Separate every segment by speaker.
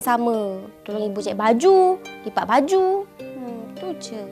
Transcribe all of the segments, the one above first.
Speaker 1: Sama. Tolong ibu cek baju, lipat baju. Tu je.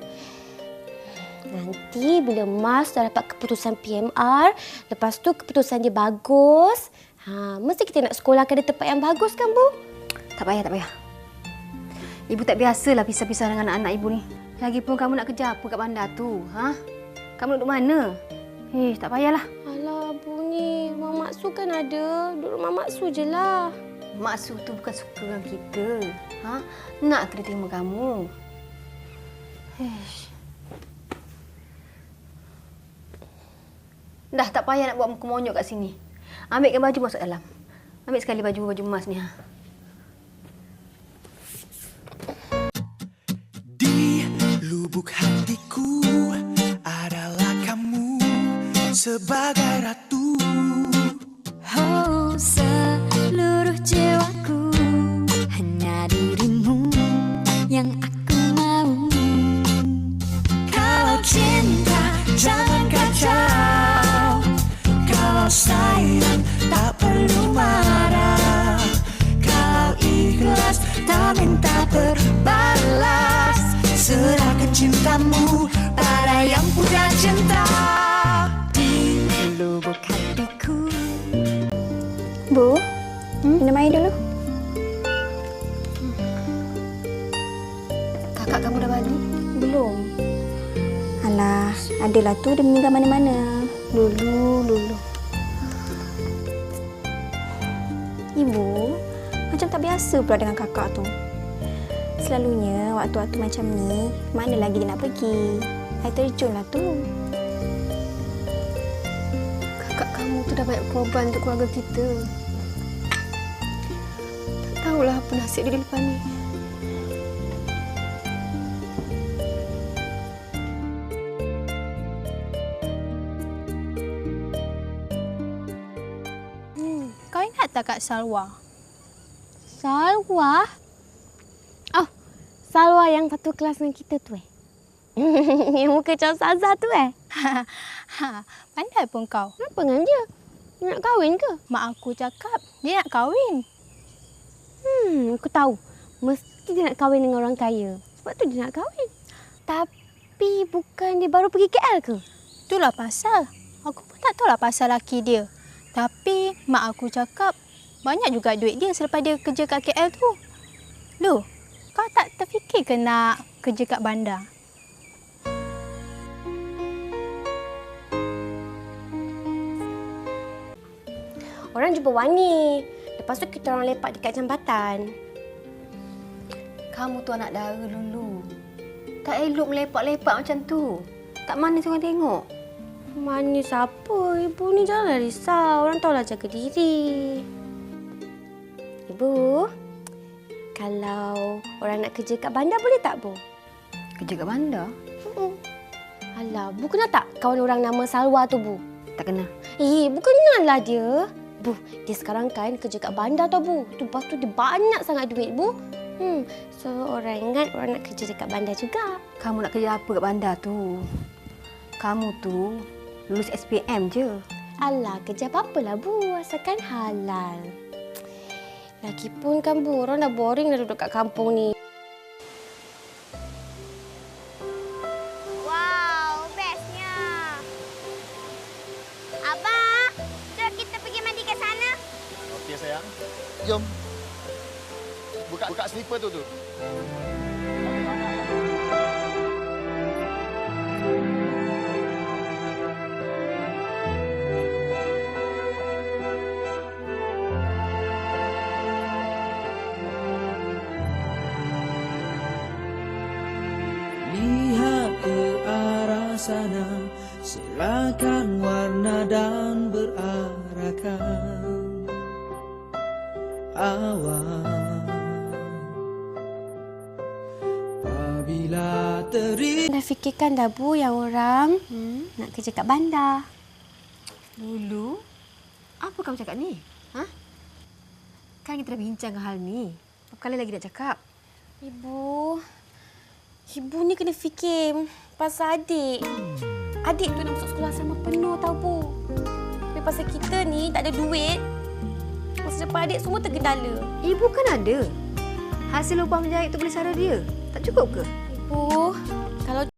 Speaker 1: Nanti bila Mas dah dapat keputusan PMR, lepas tu keputusan dia bagus, mesti kita nak sekolahkan di tempat yang bagus kan, Bu?
Speaker 2: Tak payah, tak payah. Ibu tak biasalah pisah-pisah dengan anak-anak ibu ni. Lagipun kamu nak kerja apa kat bandar tu? Kamu duduk mana? Tak payahlah.
Speaker 1: Alah, Bu ni, rumah Mak Su kan ada. Duduk rumah Mak Su je lah.
Speaker 2: Mak Su tu bukan suka dengan kita. Nak kena terima kamu. Dah tak payah nak buat muka monyok kat sini. Ambilkan baju masuk dalam. Ambil sekali baju emas ni.
Speaker 3: Di lubuk hatiku adalah kamu sebagai ratu.
Speaker 4: Oh, seluruh jiwaku hanya dirimu yang aku mau.
Speaker 3: Kalau cinta jangan kacau, kalau sayang tak perlu marah, kalau ikhlas tak minta berbalas, serahkan cintamu pada yang punya cinta.
Speaker 4: Di lubuk hatiku. Bu, minum air dulu.
Speaker 2: Kakak kamu dah balik?
Speaker 4: Belum. Alah, adalah tu dia meninggal mana-mana. Lulu. Ibu, macam tak biasa pula dengan kakak tu. Selalunya waktu-waktu macam ni, mana lagi dia nak pergi? Air terjun lah tu.
Speaker 2: Kakak kamu tu dah banyak korban untuk keluarga kita. Tak tahulah apa nasib dia di depan ni.
Speaker 5: Kau ingat tak Kak Salwa?
Speaker 1: Salwa? Oh, Salwa yang satu kelas dengan kita tu Yang muka macam Ustazah tu
Speaker 5: Pandai pun kau.
Speaker 1: Kenapa dengan dia? Dia nak kahwin ke?
Speaker 5: Mak aku cakap dia nak kahwin.
Speaker 1: Aku tahu. Mesti dia nak kahwin dengan orang kaya. Sebab tu dia nak kahwin. Tapi bukan dia baru pergi KL ke?
Speaker 5: Itulah pasal. Aku pun tak tahulah pasal laki dia. Tapi mak aku cakap banyak juga duit dia selepas dia kerja kat KL tu. Loh, kau tak terfikir ke nak kerja kat bandar?
Speaker 1: Orang jumpa wangi. Lepas tu kita orang lepak dekat jambatan.
Speaker 2: Kamu tu anak dara, Lulu. Tak elok melepak-lepak macam tu. Tak manis orang tengok.
Speaker 1: Manis apa? Ibu ni janganlah risau. Orang tahulah jaga diri. Ibu, kalau orang nak kerja kat bandar boleh tak, Bu?
Speaker 2: Kerja kat bandar?
Speaker 1: Alah, Bu kenal tak kawan orang nama Salwa tu, Bu?
Speaker 2: Tak kenal.
Speaker 1: Bu kenallah dia. Bu, dia sekarang kan kerja kat bandar tau, Bu. Lepas tu dia banyak sangat duit, Bu. So orang ingat orang nak kerja dekat bandar juga.
Speaker 2: Kamu nak kerja apa kat bandar tu? Kamu tu lulus SPM je.
Speaker 1: Alah, kerja apa-apalah, Bu. Asalkan halal. Lagipun kan, Bu, orang dah boring dah duduk kat kampung ni.
Speaker 6: Wow, bestnya. Abang, jom kita pergi mandi ke sana.
Speaker 7: Okey sayang. Jom. Buka slipper tu.
Speaker 3: Lihat ke arah sana, silakan warna dan berarahkan awan. Apabila
Speaker 1: Dah fikirkan dah, Bu, yang orang nak kerja kat bandar.
Speaker 2: Lulu, apa kamu cakap ni? Kan kita dah bincangkan hal ni. Berapa kali lagi nak cakap?
Speaker 1: Ibu ni kena fikir pasal adik. Adik tu nak masuk sekolah sama penuh tau, Bu. Tapi pasal kita ni tak ada duit, masa depan adik semua tergendala.
Speaker 2: Ibu kan ada. Hasil upah menjahit tu boleh sara dia. Tak cukup ke?
Speaker 1: Ibu, kalau